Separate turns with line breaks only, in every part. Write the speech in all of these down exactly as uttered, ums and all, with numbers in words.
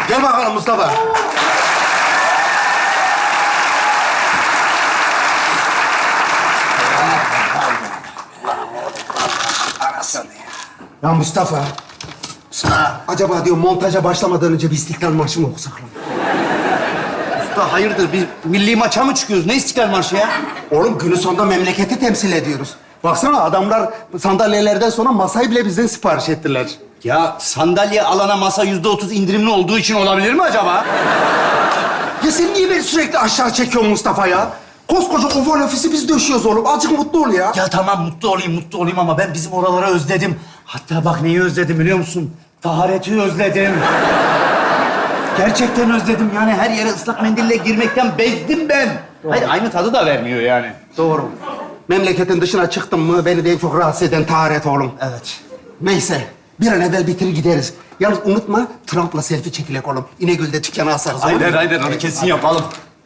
Gel bakalım Mustafa. Ya Mustafa. Mustafa. Acaba diyor montaja başlamadan önce bir İstiklal Marşı mı okusak lan?
Usta hayırdır bir milli maça mı çıkıyoruz? Ne İstiklal Marşı ya?
Oğlum günün sonunda memleketi temsil ediyoruz. Baksana adamlar sandalyelerden sonra masayı bile bizden sipariş ettiler.
Ya sandalye alana masa yüzde otuz indirimli olduğu için olabilir mi acaba?
Ya sen niye beni sürekli aşağı çekiyorsun Mustafa ya? Koskoca oval ofisi biz döşüyoruz oğlum. Azıcık mutlu ol ya.
Ya tamam mutlu olayım, mutlu olayım ama ben bizim oraları özledim. Hatta bak neyi özledim biliyor musun? Tahareti özledim. Gerçekten özledim. Yani her yere ıslak mendille girmekten bezdim ben. Hayır, aynı tadı da vermiyor yani.
Doğru. Memleketin dışına çıktın mı beni de en çok rahatsız eden taharet oğlum.
Evet.
Neyse. Bir an evvel bitirir gideriz. Yalnız unutma Trump'la selfie çekilek oğlum. İnegöl'de dükkana asarız. olur mu?
Aynen, aynen. Onu kesin yapalım.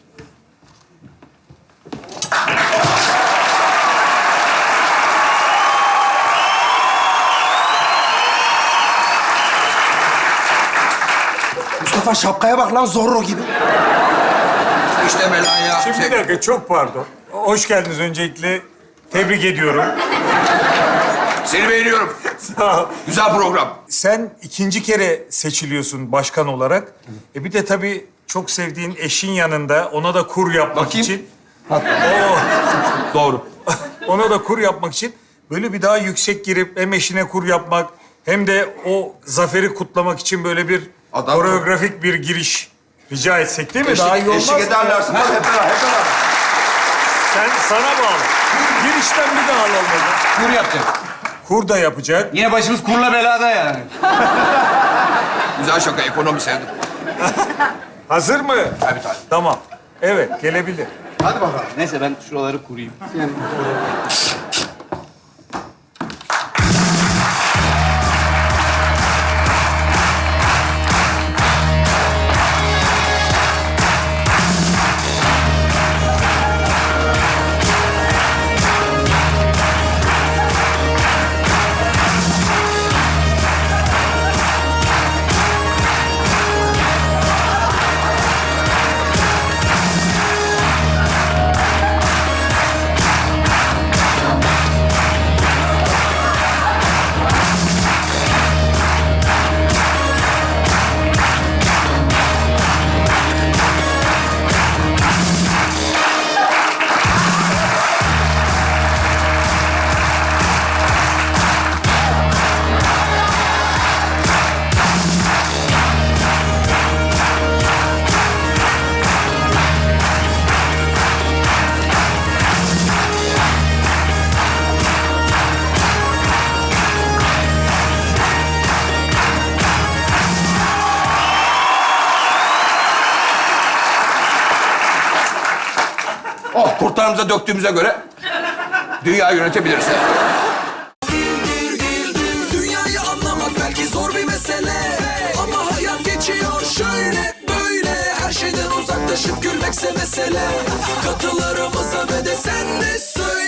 Mustafa şapkaya bak lan Zorro gibi.
İşte Melanya.
Şimdi bir dakika, çok pardon. Hoş geldiniz öncelikle. Tebrik ediyorum.
Seni beğeniyorum.
Sağ ol.
Güzel program.
Sen ikinci kere seçiliyorsun başkan olarak. E bir de tabii çok sevdiğin eşin yanında ona da kur yapmak
Bakayım.
için...
Doğru.
Ona da kur yapmak için böyle bir daha yüksek girip hem eşine kur yapmak hem de o zaferi kutlamak için böyle bir
Adam-
koreografik bir giriş rica etsek değil mi? daha iyi
Eşlik,
olmaz
eşlik
mı?
ederlerse. Hep beraber, hep beraber.
Sen sana bağlı. Girişten bir daha alalım.
Kur yapacağız.
Kur da yapacak.
Yine başımız kurla belada yani.
Güzel şaka, ekonomi sevdim.
Hazır mı?
Tabii tabii.
Tamam. Evet, gelebilir.
Hadi bakalım.
Neyse ben şuraları kurayım.
Yani,
Oh, kurtlarımıza döktüğümüze göre dünyayı yönetebiliriz.
Dünyayı anlamak belki zor bir mesele, ama hayat geçiyor şöyle böyle. Her şeyden uzaklaşıp gülmekse mesele. Katılarımıza ve de sen de söyle.